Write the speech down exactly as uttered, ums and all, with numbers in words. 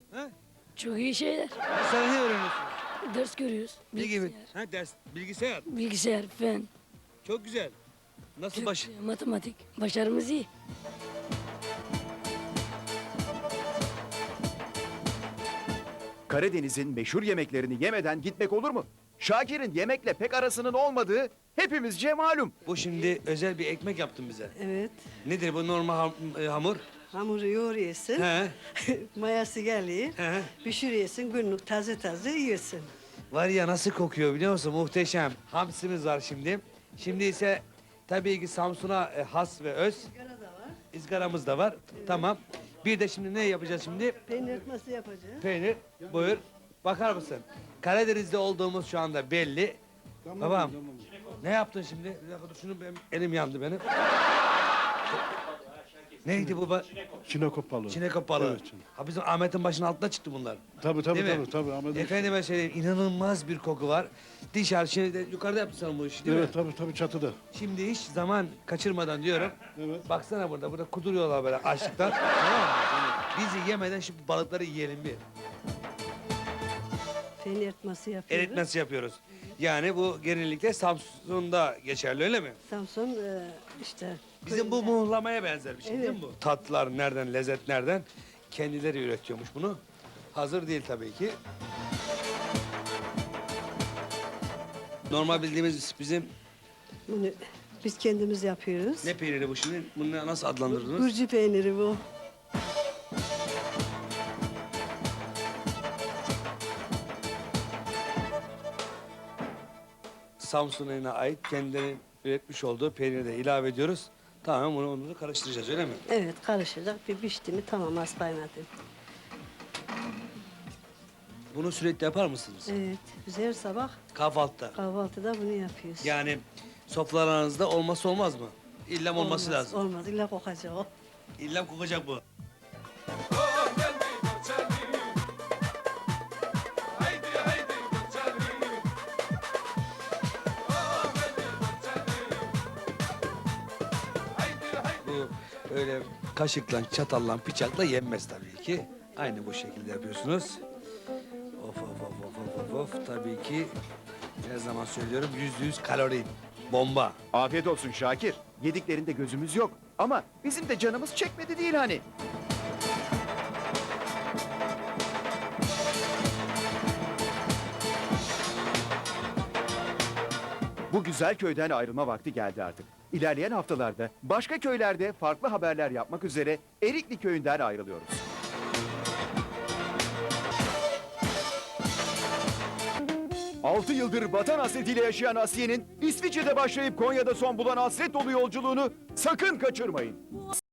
Ha? Çok iyi şeyler. Sen ne öğreniyorsun? Ders görüyoruz. Ne gibi? Bilgisayar, Ha, ders, bilgisayar. bilgisayar, fen, Çok güzel. Nasıl baş... Türkçe, matematik. Başarımız iyi. Karadeniz'in meşhur yemeklerini yemeden gitmek olur mu? Şakir'in yemekle pek arasının olmadığı hepimizce malum. Bu şimdi özel bir ekmek yaptın bize. Evet. Nedir bu normal ham- e, hamur? Hamuru yoğuruyorsun. He. Mayası geliyor. He. Pişiriyorsun. Günlük taze taze yiyorsun. Var ya nasıl kokuyor biliyor musun? Muhteşem. Hamsimiz var şimdi. Şimdi ise tabii ki Samsun'a e, has ve öz. Sigara da var. İzgaramız da var. Tamam. Bir de şimdi ne yapacağız şimdi? Peynir etmesi yapacağız. Peynir. Buyur. Bakar mısın? Karadeniz'de olduğumuz şu anda belli. Babam. Ne yaptın şimdi? Bir dakika dur şunu benim elim yandı benim. Neydi bu? ba- Çinekop balığı. Çinekop balığı. Evet, çine- Ha bizim Ahmet'in başının altına çıktı bunlar. Tabii tabii Değil mi? tabii tabii. Ahmet- Efendime söyleyeyim inanılmaz bir koku var. Dışarı şimdi yukarıda yaptın sen bu işi değil Evet mi? tabii tabii çatıda. Şimdi hiç zaman kaçırmadan diyorum. Evet. Baksana burada, burada kuduruyorlar böyle açlıktan. Tamam mı? Bizi yemeden şu balıkları yiyelim bir. Peynir etmesi yapıyoruz. Eritmesi yapıyoruz. Yani bu genellikle Samsun'da geçerli öyle mi? Samsun e, işte. Bizim bu köyünde. muhlamaya benzer bir şey değil mi Evet. bu? Tatlılar nereden, lezzet nereden? Kendileri üretiyormuş bunu. Hazır değil tabii ki. Normal bildiğimiz bizim Bunu biz kendimiz yapıyoruz. ne peyniri bu şimdi? Bunu nasıl adlandırdınız? Gurcu peyniri bu. Samsun'a ait kendilerinin üretmiş olduğu peyniri de ilave ediyoruz. Tamam bunu, onu da karıştıracağız öyle mi? Evet karışacak. Bir pişti mi tamam az kaynadı. Bunu sürekli yapar mısınız? Evet. Biz her sabah Kahvaltıda. kahvaltıda bunu yapıyoruz. Yani sofralarınızda olmazsa olmaz mı? İlla olması Olmaz, lazım. Olmaz. İlla kokacak o. İlla kokacak bu. Bu öyle kaşıkla, çatalla, bıçakla yenmez tabii ki. Aynı bu şekilde yapıyorsunuz. Of of of of of of of. Tabii ki her zaman söylüyorum yüzde yüz kalori. Bomba. Afiyet olsun Şakir. Yediklerinde gözümüz yok. Ama bizim de canımız çekmedi değil hani. Bu güzel köyden ayrılma vakti geldi artık. İlerleyen haftalarda başka köylerde farklı haberler yapmak üzere Erikli köyünden ayrılıyoruz. Altı yıldır vatan hasretiyle yaşayan Asiye'nin İsviçre'de başlayıp Konya'da son bulan hasret dolu yolculuğunu sakın kaçırmayın.